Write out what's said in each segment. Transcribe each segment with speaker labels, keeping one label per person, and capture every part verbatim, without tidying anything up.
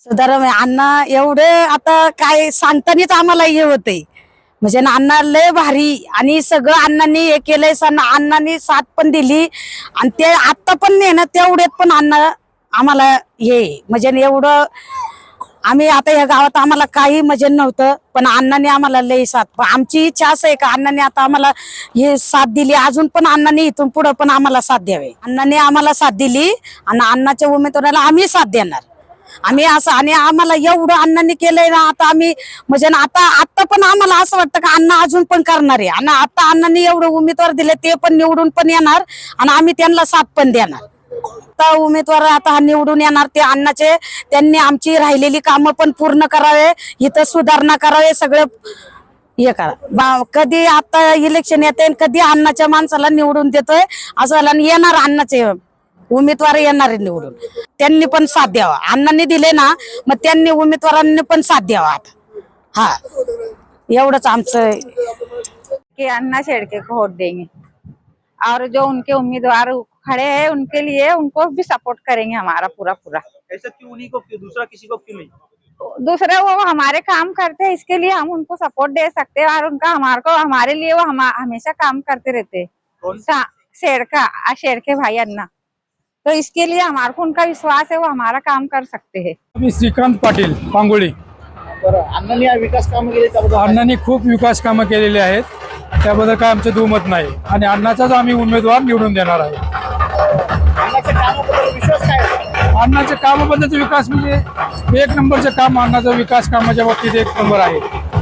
Speaker 1: सुधारम अण्णा एवढे आता काय सांगतानाच आम्हाला हे होते म्हणजे अण्णा लय भारी आणि सगळं अण्णांनी हे केलंय. अण्णांनी साथ पण दिली आणि ते आता पण नाही ना तेवढ्यात पण अण्णा आम्हाला हे म्हणजे एवढं आम्ही आता या गावात आम्हाला काही मजे नव्हतं पण अण्णांनी आम्हाला लय साथ. आमची इच्छा असं आहे का अण्णांनी आता आम्हाला हे साथ दिली अजून पण अण्णांनी इथून पुढे पण आम्हाला साथ द्यावे. अण्णांनी आम्हाला साथ दिली आणि अण्णाच्या उमेदवाराला आम्ही साथ देणार. आम्ही असं आणि आम्हाला एवढं अण्णांनी केलंय ना आता आम्ही म्हणजे आता आता पण आम्हाला असं वाटतं का अण्णा अजून पण करणार आहे आणि आता अण्णांनी एवढं उमेदवार दिले ते पण निवडून पण येणार आणि आम्ही त्यांना साथ पण देणार. आता उमेदवार आता निवडून येणार ते अण्णाचे त्यांनी आमची राहिलेली कामं पण पूर्ण करावे इथं सुधारणा करावे सगळं हे करा. कधी आता इलेक्शन येते कधी अण्णाच्या माणसाला निवडून देतोय असं येणार अण्णाचे उमेदवार येणार निवडून त्यांनी पण साथ द्यावा. अण्णांनी दिले ना मग त्यांनी उमेदवारांनी पण साथ द्यावा. आता हा एवढंच आमचं
Speaker 2: कि अन्ना शेड़के को वोट देंगे और जो उनके उम्मीदवार खड़े हैं उनके लिए उनको भी सपोर्ट करेंगे हमारा पूरा पूरा।
Speaker 3: ऐसा क्यों उन्हीं को क्यों दूसरा किसी को क्यों नहीं?
Speaker 2: दूसरे वो हमारे काम करते हैं इसके लिए हम उनको सपोर्ट दे सकते हैं और उनका हमारे को हमारे लिए वो हम, हमेशा काम करते रहते हैं। शेड़का शेड़के भाई अन्ना तो इसके लिए हमारे को उनका विश्वास है वो हमारा काम कर सकते हैं।
Speaker 4: श्रीकांत पाटील पांगोळी.
Speaker 3: अण्णांनी विकास कामं केली त्याबद्दल
Speaker 4: अण्णांनी खूप विकास कामं केलेली आहेत त्याबद्दल काय आमचं दुमत नाही आणि अण्णाचाच आम्ही उमेदवार निवडून देणार आहे.
Speaker 3: अण्णाच्या कामाबद्दल विश्वास काय आहे?
Speaker 4: अण्णाच्या कामाबद्दलचा विकास म्हणजे एक नंबरचं काम अण्णाचा विकास कामाच्या बाबतीत एक नंबर आहे.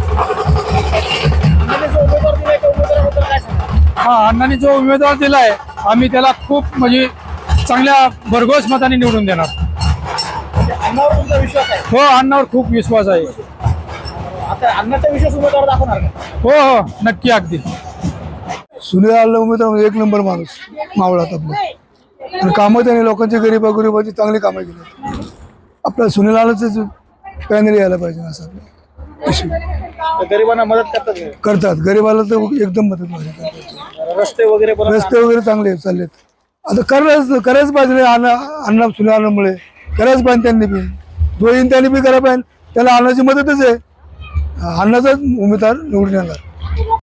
Speaker 3: अण्णांनी जो उमेदवार दिलाय त्या उमेदवाराबद्दल काय सांगा?
Speaker 4: हा अण्णांनी जो उमेदवार दिलाय आम्ही त्याला खूप म्हणजे चांगल्या भरघोस मताने निवडून देणार.
Speaker 3: अण्णावर तुमचा विश्वास आहे?
Speaker 4: हो अण्णावर खूप विश्वास आहे.
Speaker 3: आता अण्णाचा विश्वास उमेदवार दाखवणार का?
Speaker 4: हो हो नक्की अगदी.
Speaker 5: सुनील आला उमेदवार एक नंबर माणूस मावळात आपलं आणि कामं त्याने लोकांची गरीबा गरिबाची चांगली कामं केली. आपल्या सुनील आलाच पॅनल यायला पाहिजे असं
Speaker 3: गरिबांना मदत करतात
Speaker 5: करतात. गरीबाला तर एकदम मदत करतात.
Speaker 3: रस्ते वगैरे पण
Speaker 5: रस्ते वगैरे चांगले चाललेत. आता करायच करायच पाहिजे अण्णा अण्णा सुनील आल्यामुळे करायच पाहिजे. त्यांनी बी जो येईन त्यांनी बी करायला पाहिजे. त्याला अण्णाची मदतच आहे. अण्णाचाच उमेदवार निवडून येणार.